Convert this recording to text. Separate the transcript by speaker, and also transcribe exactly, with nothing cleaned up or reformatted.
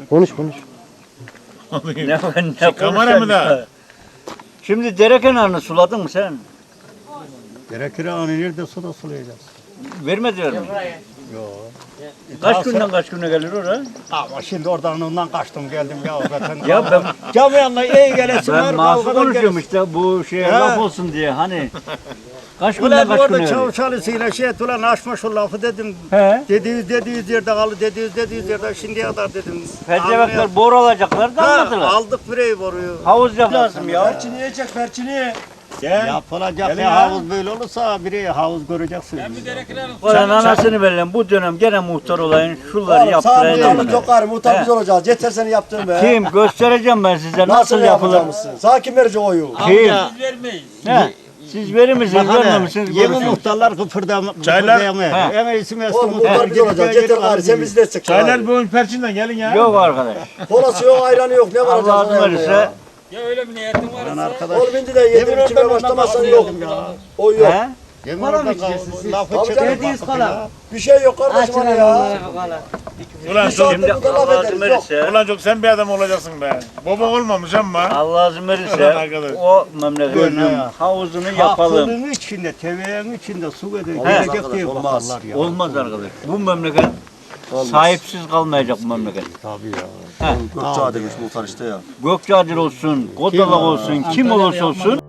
Speaker 1: Konuş konuş.
Speaker 2: Ne, ne
Speaker 3: Şey, kamera mı da?
Speaker 2: Şimdi dere kenarını suladın mı sen?
Speaker 4: Gerekir anı nerede suda sulayacağız?
Speaker 2: Vermediler mi?
Speaker 4: Yok.
Speaker 2: Kaç günden kaç güne gelir oraya?
Speaker 4: Ama şimdi oradan ondan kaçtım geldim ya zaten.
Speaker 2: Ya ben
Speaker 4: Cam yanına iyi gelesin var.
Speaker 2: ben masum
Speaker 4: kavgadan
Speaker 2: konuşuyorum
Speaker 4: gelesin.
Speaker 2: işte bu şeye
Speaker 4: He.
Speaker 2: laf olsun diye hani. Kaç günden
Speaker 4: Ulan
Speaker 2: kaç
Speaker 4: orada
Speaker 2: güne
Speaker 4: çavuş
Speaker 2: gelir?
Speaker 4: çalışıyla şey et ulan açma şu lafı dedim.
Speaker 2: He.
Speaker 4: Dediğiniz dediğiniz yerde kaldı, dediğiniz dediğiniz yerde şimdiye kadar dedim.
Speaker 2: Fecevekler boru alacaklar da
Speaker 4: Ha,
Speaker 2: anladılar.
Speaker 4: aldık bireyi boruyu.
Speaker 2: Havuz yap lazım ya.
Speaker 1: Perçini yiyecek perçini.
Speaker 3: Gel.
Speaker 4: Yapılacak
Speaker 3: Gelin
Speaker 4: bir
Speaker 3: ya.
Speaker 4: havuz böyle olursa biri havuz göreceksin.
Speaker 2: Sen anasını verelim bu dönem gene muhtar olayın şunları
Speaker 1: Oğlum sağ
Speaker 2: yaptırayım.
Speaker 1: muhtarlık yok gari. Muhtar
Speaker 2: He.
Speaker 1: biz olacağız. Yeter seni yaptın be.
Speaker 2: Kim göstereceğim ben size nasıl,
Speaker 1: Nasıl
Speaker 2: yapılır.
Speaker 1: yapacağımızsın? Sağ kim verecek oyu?
Speaker 2: Kim? He. Siz verir misiniz görmemişsiniz
Speaker 4: Yeni
Speaker 2: görürsünüz.
Speaker 4: muhtarlar kıpırdam,
Speaker 3: Çaylar-
Speaker 4: kıpırdayamıyor.
Speaker 2: He.
Speaker 4: Hemen isim eski
Speaker 1: Oğlum muhtar biz olacağız. Yeter gari sen bizi destek.
Speaker 3: Çaylar bugün perçinden gelin ya.
Speaker 2: Yok arkadaş.
Speaker 1: Kolası yok, ayranı yok. Ne var
Speaker 2: Allah
Speaker 1: acaba
Speaker 2: azim verirse.
Speaker 4: Ben arkadaş.
Speaker 1: Oğlum indi de yedim
Speaker 4: Yemin
Speaker 1: içmeye
Speaker 4: oradan
Speaker 1: başlamazsan
Speaker 4: ondan
Speaker 1: yok.
Speaker 4: kalkıyordum ya.
Speaker 1: O yok.
Speaker 2: He?
Speaker 4: Yemin
Speaker 5: Para mı
Speaker 4: oradan
Speaker 5: içeceksiniz siz?
Speaker 4: lafı
Speaker 1: Tabii
Speaker 4: çekip
Speaker 1: canım.
Speaker 5: Dediğiniz
Speaker 4: bakın
Speaker 5: kola.
Speaker 4: ya.
Speaker 1: Bir şey yok kardeşim hani ya.
Speaker 3: Ulan
Speaker 1: Bir
Speaker 3: çok,
Speaker 1: saat-
Speaker 2: Şimdi
Speaker 1: Bu da laf
Speaker 2: Allah
Speaker 1: ederiz,
Speaker 2: azim
Speaker 1: yok.
Speaker 2: verirse.
Speaker 3: ulan çok sen bir adam olacaksın be. Baba olmamış ama.
Speaker 2: Allah azim
Speaker 3: Ulan
Speaker 2: verirse
Speaker 3: arkadaş.
Speaker 2: o memleketin
Speaker 4: Böyle ya.
Speaker 2: havuzunu yapalım.
Speaker 4: Hakkının içinde, teveğin içinde su verir.
Speaker 1: Olmaz
Speaker 4: Gelecek
Speaker 1: arkadaş,
Speaker 4: diye
Speaker 1: olmaz.
Speaker 4: bakarlar ya.
Speaker 2: Olmaz arkadaş. Bu memleket sahipsiz kalmayacak bu memleket.
Speaker 4: Tabii ya.
Speaker 1: Gökçeada demiş muhtar işte ya.
Speaker 2: Gökçeadil olsun, Kodalak olsun, kim olursa olsun